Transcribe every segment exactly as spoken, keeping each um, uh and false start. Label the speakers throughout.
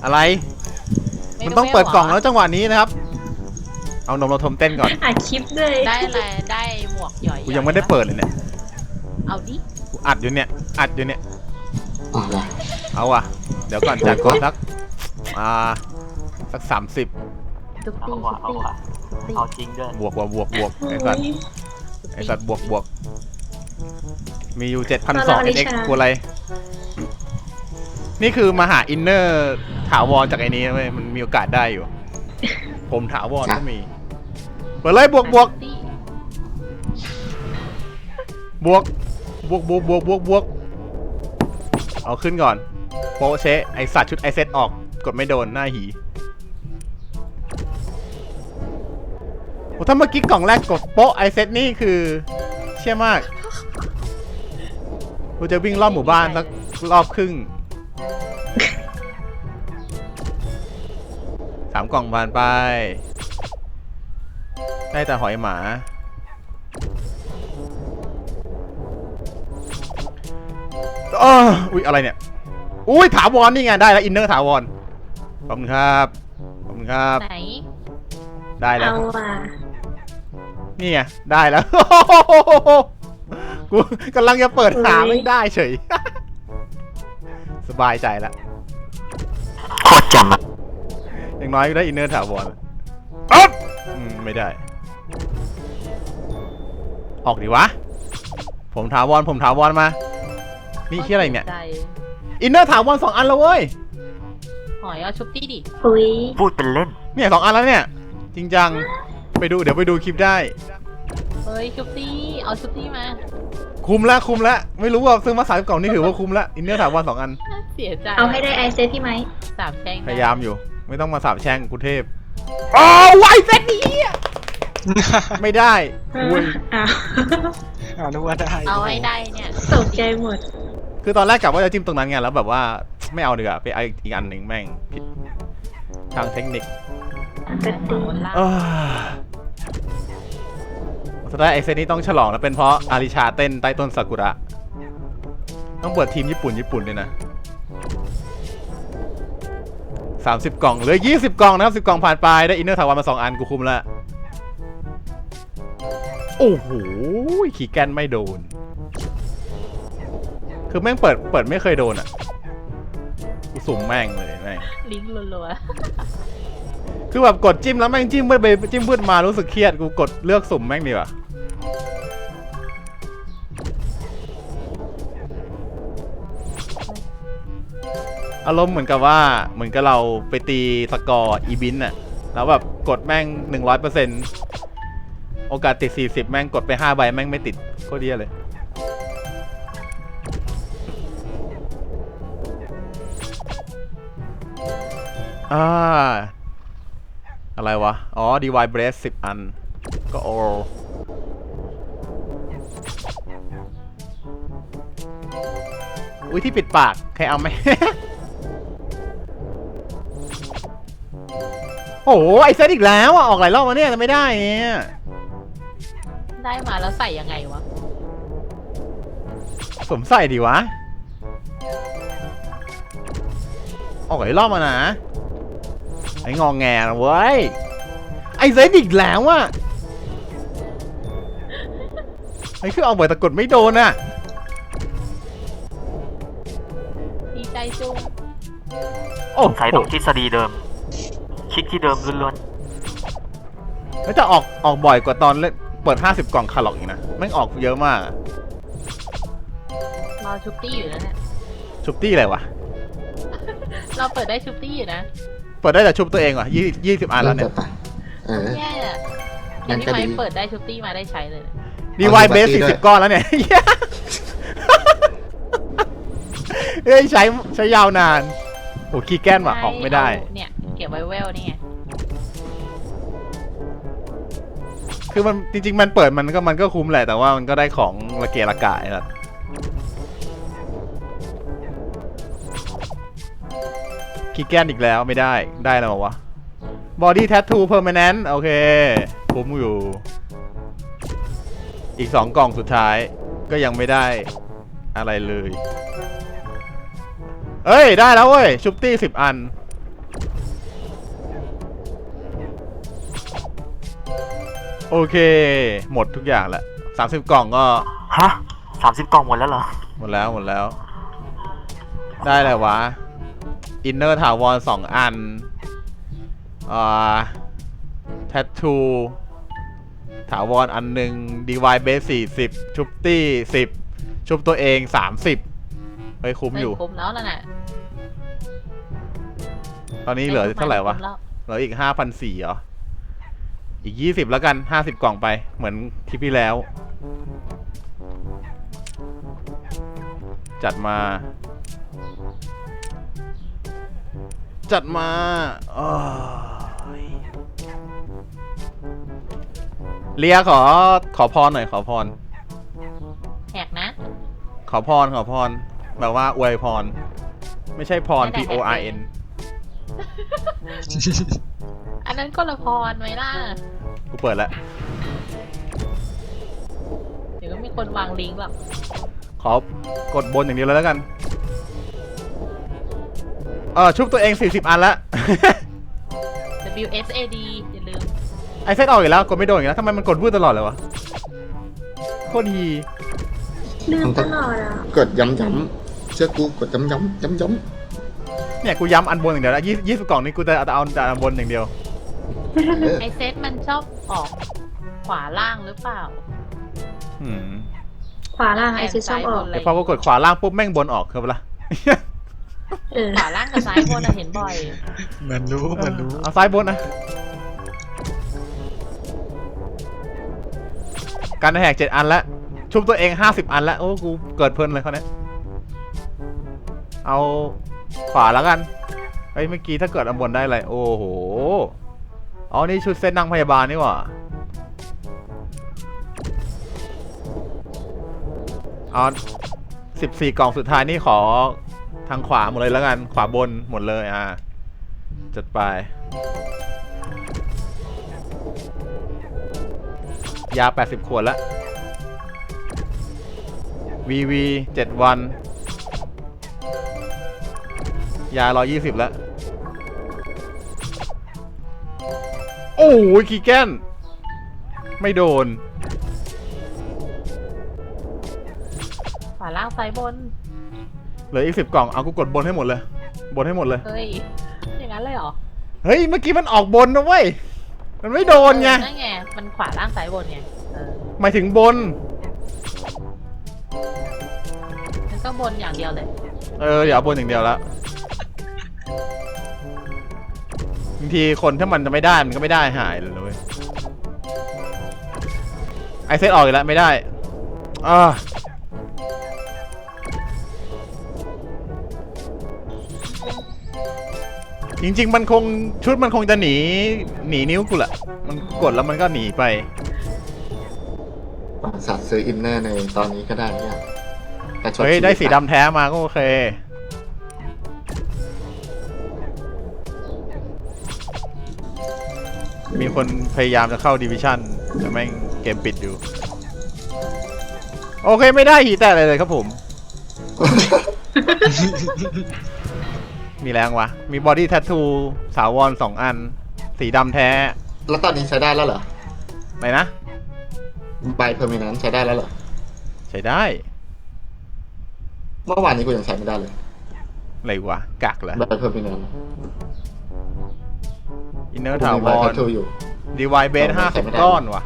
Speaker 1: อะไรมันต้องเปิดกล่องแล้วจังหวะนี้นะครับเอานมเราทมเต้นก่อน
Speaker 2: อัดคลิปด้วย
Speaker 3: ได้อะไรได้หมวกหย่อย
Speaker 1: กูยังไม่ได้เปิดเลยเนี่ย
Speaker 3: เอาดิ
Speaker 1: กูอัดอยู่เนี่ยอัดอยู่เนี่ย
Speaker 4: อะไร
Speaker 1: เอาว่ะเดี๋ยวก่อนจัดก่อนสักอ่าสักสามสิบ
Speaker 3: เอาว่ะเอาว่ะเอาจริงด้วย
Speaker 1: บวกบวกบวกบวกไอ้สัตว์ไอ้สัตว์บวกบวกมีอยู่เจ็ดพันสองเอ็กซ์กูอะไรนี่คือมาหาอินเนอร์ถาวรจากไอ้นี้เว้ยมันมีโอกาสได้อยู่ผมถาวรก็มีเปิดเลยบวกบวกบวกบวกบวกบวกบวกบวกเอาขึ้นก่อนโปเชไอสัตว์ชุดไอเซตออกกดไม่โดนหน้าหีโอ้ถ้าเมื่อกี้กล่องแรกกดโป๊ะไอเซตนี่คือเชี่ยมากกูจะวิ่งรอบหมู่บ้านสักรอบครึ่งสามกล่องผ่านไปได้แต่หอยหมาอ๋ออุ้ยอะไรเนี่ยอุ้ยถาวรนี่ไงได้แล้วอินเนอร์ถาวรขอบคุณครับขอบคุณครับ
Speaker 3: ไหน
Speaker 1: ได้แล้ว
Speaker 2: เอาว่ะ
Speaker 1: นี่ไงได้แล้วกูกำลังจะเปิดหาไม่ได้เฉยสบายใจแล้ว
Speaker 4: โคตรจำอ่ะ
Speaker 1: อย่างน้อยก็ได้อินเนอร์ถาวรอ๊อบอืมไม่ได้ออกดิวะผมถาวรผมถาวรมานี่ชื่ออะไรเนี่ยอินเนอร์ถาวรสองอันแล้วเว้ย
Speaker 3: หอยเอาชุบตี้ดิ
Speaker 2: อุ้ย
Speaker 4: พูดเป็นเล่น
Speaker 1: เนี่ยสองอันแล้วเนี่ยจริงจังไปดูเดี๋ยวไปดูคลิปได้
Speaker 3: เฮ้ยชุบตี้เอาชุบตี้มา
Speaker 1: คุ้มแล้วคุ้มแล้วไม่รู้ว่าซื้อมาสามกล่องนี่ถือว่าคุ้มแล้วอินเนอร์ถาวรสองอัน
Speaker 3: เสียใจ
Speaker 2: เอาให้ได้ไอเซตพี่ไหม
Speaker 3: สามแช่ง
Speaker 1: พยายามอยู่ไม่ต้องมาสาบแช่งกูเทพอ๋อไวเซตนี้ไม่ได้อุ้ย
Speaker 2: อ้าว
Speaker 4: เอาดูว่าได้
Speaker 3: เอาให้ได้เนี่ย
Speaker 2: ตกใจหมด
Speaker 1: คือตอนแรกกะว่าจะจิ้มตรงนั้นไงแล้วแบบว่าไม่เอาดีกว่าไปอีกอันหนึ่งแม่งผิดทางเทคนิคสุดท้ายไอเซตนี้ต้องฉลองแล้วเป็นเพราะอาริชาเต้นใต้ต้นซากุระต้องเปิดทีมญี่ปุ่นญี่ปุ่นด้วยนะสามสิบกล่องเหลือยี่สิบกล่องนะครับสิบกล่องผ่านไปได้อินเนอร์ถาวรมาสองอันกูคุมแล้วโอ้โหขี่แกนไม่โดนคือแม่งเปิดเปิดไม่เคยโดนอ่ะกูสุ่มแม่งเลยแม่ง
Speaker 3: ลิงก์รัว
Speaker 1: ๆคือแบบกดจิ้มแล้วแม่งจิ้มเพื่อไปจิ้มเพื่อมารู้สึกเครียดกูกดเลือกสุ่มแม่งดีกว่าอารมณ์เหมือนกับว่าเหมือนกับเราไปตีสกอร์อีบินน่ะแล้วแบบกดแม่ง หนึ่งร้อยเปอร์เซ็นต์ โอกาสติดสี่สิบแม่งกดไปห้าใบแม่งไม่ติดโคตรเดียเลยอ่าอะไรวะอ๋อ ดี วาย Brace สิบอันก็โออุ้ยที่ปิดปากใครเอาไหม โอ้โหไอเซตอีกแล้วอ่ะออกหลายรอบมาเนี่ยแต่ไม่ได้เนี่ย
Speaker 3: ได้มาแล้วใส่ยังไงวะ
Speaker 1: สวมใส่ดีวะออกหลายรอบมานะไององแงนะเว้ยไอเซตอีกแล้วอ่ะไอคือเอาเบิดตะกดไม่โดนอ่ะ
Speaker 3: ดีใจจุง
Speaker 1: โอ้
Speaker 4: ใช้ตรงทฤษฎีเดิมคลิกที่เดิมล้วน
Speaker 1: ๆแล้วจะออกออกบ่อยกว่าตอนเล่นเปิดห้าสิบกล่องคาร์ล็อกอีกนะแม่งออกเยอะมาก
Speaker 3: รอชุบตี้อยู่นะเนี่ย
Speaker 1: ชุบตี้อะไรวะ
Speaker 3: เราเปิดได้ชุบตี้อยู่นะ
Speaker 1: เปิดได้แต่ชุบตัวเองว่ะยี่ยี่สิบอันแล้วเนี่ย
Speaker 3: แย่ยังไม่เปิดได้ชุบตี้มาได้ใช้เลย
Speaker 1: ดีวายเบสสี่สิบก้อนแล้วเนี่ยเฮ้ยใช้ใช้ยาวนานโอ้ขี้แก้นว่ะออกไม่ได้
Speaker 3: เนี่ยเก็บไว้เวลนี่ไง
Speaker 1: คือมันจริงๆมันเปิดมันก็มันก็คุ้มแหละแต่ว่ามันก็ได้ของระเกะระกะครับขี้แก้นอีกแล้วไม่ได้ได้แล้ววะ Body Tattoo Permanent โอเคคุ้มอยู่อีกสองกล่องสุดท้ายก็ยังไม่ได้อะไรเลยเอ้ยได้แล้วเว้ยชุบตี้สิบอันโอเค หมดทุกอย่างแหละสามสิบกล่องก็
Speaker 4: ฮะสามสิบกล่องหมดแล้วเหรอ
Speaker 1: หมดแล้วหมดแล้ว ได้แหละวะอินเนอร์ถาวรสองอันอ่าแทททูถาวรอันหนึ่งดีวายเบสสี่สิบชุบตี้สิบชุบตัวเองสามสิบเฮ้ยคุ้มอยู่
Speaker 3: คุ้มแล้วนั่นน่ะ
Speaker 1: ตอนนี้เหลือเท่าไหร่วะ
Speaker 3: คุ้มแล้
Speaker 1: เหลืออีกห้าพันสี่เหรอ อีกยี่สิบแล้วกันห้าสิบกล่องไปเหมือนคลิปที่แล้ว จัดมา จัดมาโอ้ยเลียขอขอพรหน่อยขอพร
Speaker 3: แหกนะ
Speaker 1: ขอพรขอพรแบบว่าอวยพร ไม่ใช่พร P O R N
Speaker 3: อันนั้นก็ละพรไหมล่ะ
Speaker 1: กูเปิดแล้ว
Speaker 3: เดี๋ยวก็มีคนวางลิงก์หรอก
Speaker 1: ขอกดบนอย่างเดียวเลยแล้วกัน เออชุบตัวเองสี่สิบอันละ
Speaker 3: W S A D อย่าลืม
Speaker 1: ไอเซตออกอีกแล้วกดไม่โดนอีกแล้วทำไมมันกดวืดตลอดเลยวะโคตรดี
Speaker 2: ลืมตลอดอ่ะ
Speaker 5: กดย้ำๆเชื่อกูกดย้ำๆย้ำ
Speaker 1: เนี่ยกูย้ำอันบนอย่างเดียวแล้วยี่ยี่สิบกล่องนี้กูจะเอาแต่อันบนอย่างเดียว
Speaker 5: ๆเออ
Speaker 3: ไอเซตมันชอบออกขวาล่างหรือเปล่า
Speaker 1: อืม
Speaker 2: ขวาล่างไอซิชอบออก
Speaker 1: แต่พอกูกดขวาล่างปุ๊บแม่งบนออกคือเปะล่า
Speaker 2: เออ
Speaker 3: ขวาล่างกับซ้ายบนอะเห็นบ่อย
Speaker 5: มันรู้มันรู้
Speaker 1: เอาซ้ายบนนะการแหกเจ็ดอันแล้วชุบตัวเองห้าสิบอันแล้วโอ้กูเกิดเพลินเลยเขาเนี้ยเอาขวาแล้วกันเฮ้ยเมื่อกี้ถ้าเกิดอันบนได้อะไรโอ้โหอ๋อนี่ชุดเซตนางพยาบาลนี่หว่าเอาสิบสี่กล่องสุดท้ายนี่ขอทางขวาหมดเลยแล้วกันขวาบนหมดเลยอ่าจัดไปยาแปดสิบขวดแล้ว วี วี เจ็ดวันยาหนึ่งร้อยยี่สิบแล้วโอ้ยคีแกนไม่โดน
Speaker 3: ขวาล่างซ้ายบน
Speaker 1: เหลืออีกสิบกล่องเอากูกดบนให้หมดเลยบนให้หมดเลย
Speaker 3: เฮ้ย อย่างนั้นเลยเหรอ
Speaker 1: เฮ้ยเมื่อกี้มันออกบนนะเว้ยมันไม่โดนไง
Speaker 3: เออนั่นไง มันขวาล่างซ้ายบนไง เออ
Speaker 1: หมายถึงบน
Speaker 3: มันก็บนอย่างเดียวเลย
Speaker 1: เออเดี๋ยวเอาบนอย่างเดียวแล้วบางทีคนถ้ามันจะไม่ได้มันก็ไม่ได้หายเลยนะเว้ยไอเซตออกอีกแล้วไม่ได้อ่าจริงๆมันคงชุดมันคงจะหนีหนีนิ้วกูแหละมันกดแล้วมันก็หนีไป
Speaker 5: สัตว์ซื้ออินเนอร์ในตอนนี้ก็ได้เนี่ยแต่ช็อต
Speaker 1: เฮ้ยได้สี
Speaker 5: ชีวิต
Speaker 1: ดำแท้มาก็โอเคมีคนพยายามจะเข้าดิวิชั่นแต่แม่งเกมปิดอยู่ โอเคไม่ได้หีแต่อะไรเลยครับผม มีแรงวะ มีบอดี้แทททูสาวรสองอัน สีดำแท้
Speaker 5: แล้วตอนนี้ใช้ได้แล้วเหรอ
Speaker 1: ไหนนะ
Speaker 5: ใบเพอร์มินันใช้ได้แล้วเหรอ
Speaker 1: ใช้ได้
Speaker 5: เมื่อวานนี้กูยังใช้ไม่ได้เลย
Speaker 1: อะไรวะ กักเหรอ
Speaker 5: ใบเพอร์มินัน
Speaker 1: อินเนอร์
Speaker 5: กู
Speaker 1: ถา
Speaker 5: มี
Speaker 1: ว
Speaker 5: ใบ
Speaker 1: ร
Speaker 5: แทททูอยู่
Speaker 1: ดีวายเบสห้าสิบก้อนวะ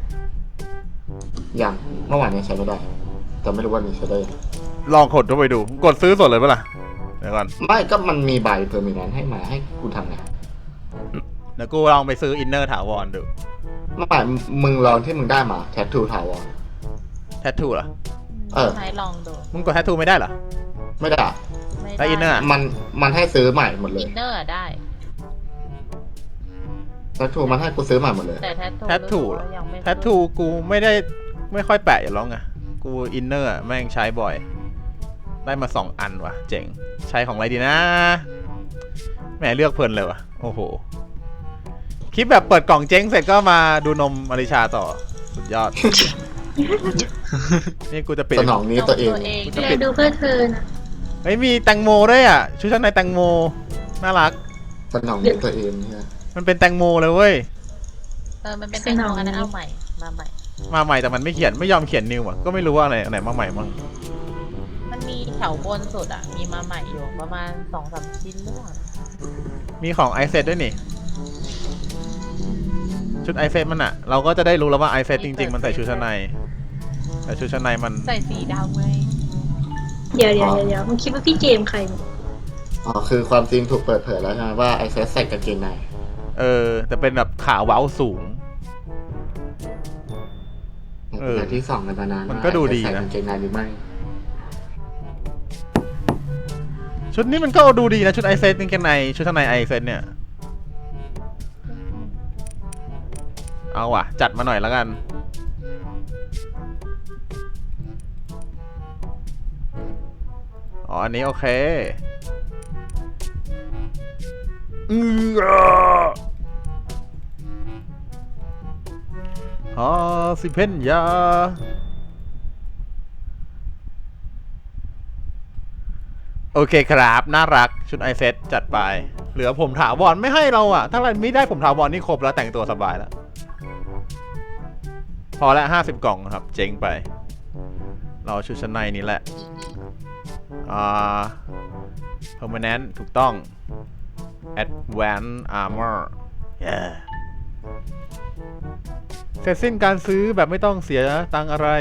Speaker 5: ยังเมื่อวานนี้ใช้ไม่ได้ แต่ไม่รู้ว่านี้ใช้ได้ยัง
Speaker 1: ลองกดเข้าไปดู กดซื้อสดเลยปะล่ะ เดี๋ยวก่อน
Speaker 5: ไม่ก็มันมีใบเพอร์มินันให้มาให้กูทำไง
Speaker 1: เดี๋ยวกูลองไปซื้ออินเนอร์ถาวรดู
Speaker 5: เมื่อวานมึงลองที่มึงได้มาแทททูถาวร
Speaker 1: แทททูเหรอ
Speaker 5: เออ
Speaker 3: ใช้ลองดู
Speaker 1: มึงกดแทททูไม่ได้เหรอ
Speaker 5: ไม่ได้
Speaker 3: ไม่
Speaker 1: แล้วอินเนอร์อะ
Speaker 5: มันมันให้ซื้อใหม่หมดเล
Speaker 3: อิ
Speaker 5: ย
Speaker 3: นเนอร์อะได้
Speaker 5: แทททูมันให้กูซื้อใหม่หมดเลย
Speaker 3: แต่แทททู
Speaker 1: แทททู
Speaker 3: รู้สึกว่ายังไม่
Speaker 1: แทททูกูไม่ได้ไม่ค่อยแปะอยู่แล้วไง กูอินเนอร์แม่งใช้บ่อย ได้มาสองอันว่ะ เจ๋ง ใช้ของอะไรดีนะแหมเลือกเพลินเลยวะโอ้โห คลิปแบบเปิดกล่องเจ๊งเสร็จก็มาดูนมอริชาต่อ สุดยอด นี่กูจะปิด
Speaker 5: สนองนี้ตัวเอง
Speaker 3: เอง
Speaker 1: จะ
Speaker 2: แก
Speaker 1: ปิด
Speaker 2: ดูเพื่อเธอนะ
Speaker 1: เฮ้ยมีแตงโมด้วยอ่ะ ชุดชั้นในแตงโม น่ารัก
Speaker 5: สนองนี้ตัวเองเนี่ย
Speaker 1: มันเป็นแตงโมเลยเว้ย
Speaker 3: สอมันเป็นแตงโมอันนั้นเอาใหม่มาใหม่
Speaker 1: มาใหม่แต่มันไม่เขียนไม่ยอมเขียนนิวอ่ะก็ไม่รู้ว่าอะไรอันไหนมาใหม่มั่ง
Speaker 3: มันมีแถวบนสุดอ่ะมีมาใหม่อยู่ประมาณสองสามชิ้นหรือเปล่า
Speaker 1: มีของไอเซตด้วยนี่ชุดไอเซตมันอ่ะเราก็จะได้รู้แล้วว่าไอเซตจริงๆมันใส่ชุดชั้นในแต่ชุดชั้นในมัน
Speaker 3: ใส่สีดำไง
Speaker 2: เดี๋ยวเดี๋ยวเดี๋ยวมึงคิดว่าพี่เจมส์ใครเนี่ย
Speaker 5: อ๋อคือความจริงถูกเปิดเผยแล้วใช่ไหมว่าไอเซสใส่กางเกงใน
Speaker 1: เออแต่เป็นแบบขาเว้าสูง เออ
Speaker 5: แต่ที่สองกันมานาน
Speaker 1: มันก็ดูดีนะ
Speaker 5: ใส่กางเกงในหรือไม่
Speaker 1: ชุดนี้มันก็ดูดีนะชุดไอเซตนี่แค่ในชุดชั้นในไอเซตเนี่ยเอาว่ะจัดมาหน่อยแล้วกันอ๋ออันนี้โอเคอือฮาสิเพนยาโอเคครับน่ารักชุดไอเซตจัดไปเหลือผมถาวรไม่ให้เราอะถ้าเราไม่ได้ผมถาวรนี่ครบแล้วแต่งตัวสบายแล้วพอแล้วห้าสิบกล่องนะครับเจ๊งไปเราชุดชั้นในนี้แหละอ่า permanent ถูกต้อง advanced armor yeah เสร็จสิ้นการซื้อแบบไม่ต้องเสียตังค์อะไร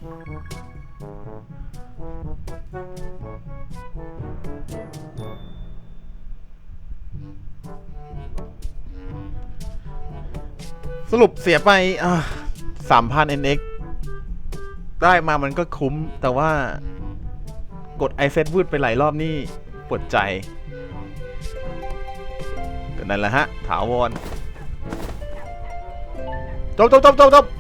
Speaker 1: สรุปเสียไปสามพัน เอ็น เอ็กซ์ ได้มามันก็คุ้มแต่ว่ากดไอเซตวืดไปหลายรอบนี่ปวดใจก็นั่นแหละฮะถาวรจบจบจบจบจบ